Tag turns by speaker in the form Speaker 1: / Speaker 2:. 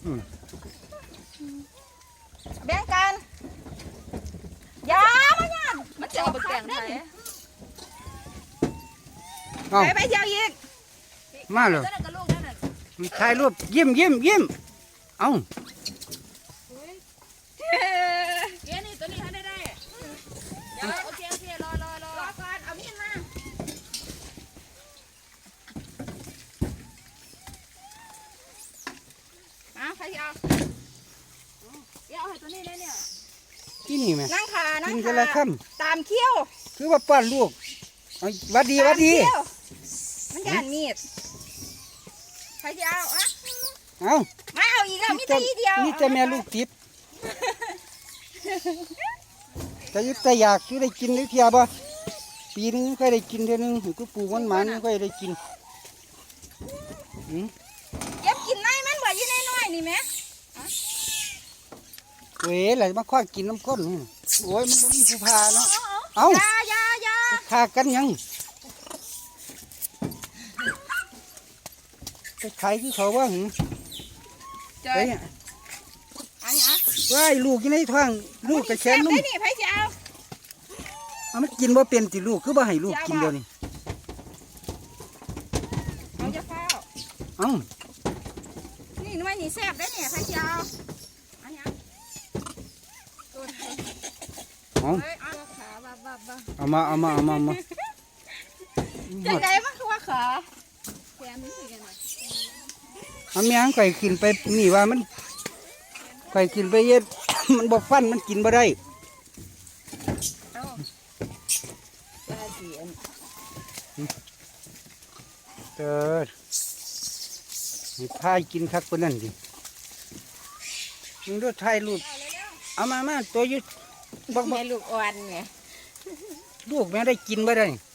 Speaker 1: แบ่งกันยามาเนี่ยมันจะเอาไปแกงไทยไปเที่ยวอีก
Speaker 2: มาเลยถ่ายรูปยิ้มเอ้า
Speaker 1: นี่ตัวนี้ให้ได้เดี๋ยวโอเครอก่อนเอามีดมาใครเอาให้ตัวนี้เลยเนี่ย
Speaker 2: ที่นี่ไหม
Speaker 1: นั่งขา
Speaker 2: กินกันละค่
Speaker 1: ำตามเขี้ยว
Speaker 2: คือว่าป้อนลูกวัดดีมัน
Speaker 1: หยาดมีดใครจะเอาไม่เอาอีกแล้วมีแต่อีเดียว
Speaker 2: นี่จะแม่ลูกติดแต่ยึดแต่อยากคือได้กินได้เทียบ่ปีนึงค่อยได้กินเท่านึงก็ปลูกมันค่อยได้กิน
Speaker 1: เก็บกินในมันบ่ยี่น้อยนี่ไหม
Speaker 2: เว้ยอะไรมาคว้ากินน้ำข้นโอ้ยมันมีผู้พาเนาะเอา
Speaker 1: ยา
Speaker 2: ฆ่ากันยังไปขายคือเขาว่าหึไปว่าลูกยังในท้องลูกกระแชนนุ่ม
Speaker 1: นี่ไผจะ
Speaker 2: เอามันกินว่าเป็นติลูกคือว่าให้ลูกกินเดียวนี่
Speaker 1: เอาจะเฝ้านี่น้อยนี่แซ่บได้เนี่ยไผจะ
Speaker 2: เอามา
Speaker 1: จังไดมันคือว่าขาแกนนี่คือยังไง
Speaker 2: เอาแมงไก่กินไปนี่ว่ามันไก่กินไปเย็ดมันบอกฟันมันกินบ่ได้มีพายกินคักคนนั่นดิมึงดูถ่ายรูปเอามาตัวยุด
Speaker 1: บอกแม่ลูกอ่อนไง
Speaker 2: ลูกแม่ได้กินบ่ได้